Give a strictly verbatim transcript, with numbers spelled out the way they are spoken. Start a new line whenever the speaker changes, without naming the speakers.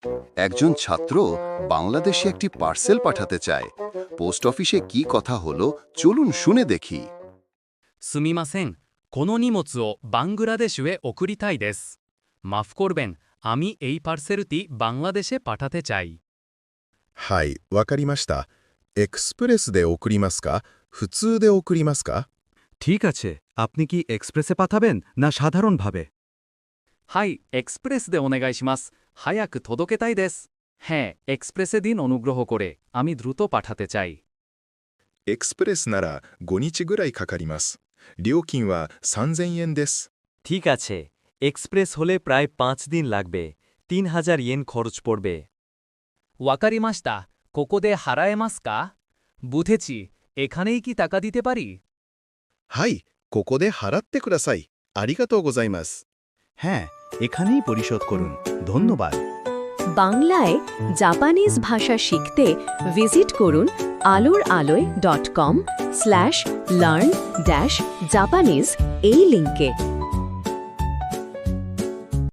একজন ছাত্র বাংলাদেশে একটি পার্সেল পাঠাতে চায়। পোস্ট অফিসে কি কথা হলো চলুন শুনে দেখি।
すみません。この荷物をバングラデシュへ送りたいです。মাফ করবেন, আমি এই পার্সেলটি বাংলাদেশে পাঠাতে চাই।
はい、わかりました。エクスプレスで送りますか普通で送りますか
ঠিক আছে, আপনি কি এক্সপ্রেসে পাঠাবেন না সাধারণভাবে?
はい、エクスプレスでお願いします。早く届けたいです。হ্যাঁ, এক্সপ্রেসে দিন অনুগ্রহ করে, আমি দ্রুত পাঠাতে চাই।
エクスプレスならごにちぐらいかかります。料金はさんぜんえんです。
ঠিক আছে, এক্সপ্রেস হলে প্রায় পাঁচ দিন লাগবে, তিন হাজার ইয়েন খরচ পড়বে।
わかりました。ここで払えますか? বুঝেছি, এখানেই কি টাকা দিতে পারি?
はい、ここで払ってください。ありがとうございます。
হ্যাঁ, এখানেই পরিশোধ করুন, ধন্যবাদ।
বাংলায় জাপানিজ ভাষা শিখতে ভিজিট করুন Alor Aloy dot com slash learn dash Japanese এই লিঙ্কে।